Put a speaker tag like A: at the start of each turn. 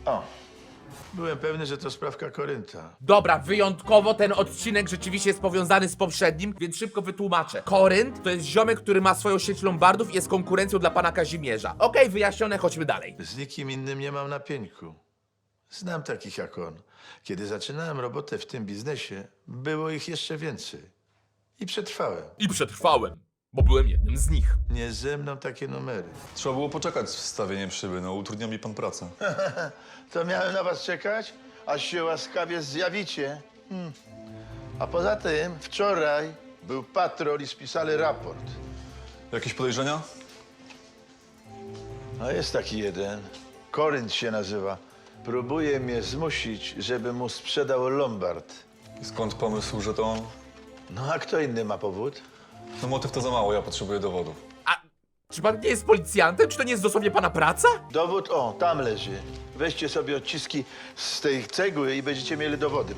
A: O, byłem pewny, że to sprawka Korynta.
B: Dobra, wyjątkowo ten odcinek rzeczywiście jest powiązany z poprzednim, więc szybko wytłumaczę. Korynt to jest ziomek, który ma swoją sieć lombardów i jest konkurencją dla pana Kazimierza. Okej, wyjaśnione, chodźmy dalej.
A: Z nikim innym nie mam na pieńku. Znam takich jak on. Kiedy zaczynałem robotę w tym biznesie, było ich jeszcze więcej. I przetrwałem.
B: I przetrwałem, bo byłem jednym z nich.
A: Nie ze mną takie numery.
C: Trzeba było poczekać z wstawieniem szyby, no utrudnia mi pan pracę.
A: To miałem na was czekać, aż się łaskawie zjawicie. A poza tym wczoraj był patrol i spisali raport.
C: Jakieś podejrzenia?
A: A jest taki jeden, Korynt się nazywa. Próbuje mnie zmusić, żebym mu sprzedał lombard.
C: I skąd pomysł, że to on?
A: No a kto inny ma powód?
C: No motyw to za mało, ja potrzebuję dowodów.
B: A czy pan nie jest policjantem? Czy to nie jest dosłownie pana praca?
A: Dowód, o, tam leży. Weźcie sobie odciski z tej cegły i będziecie mieli dowody.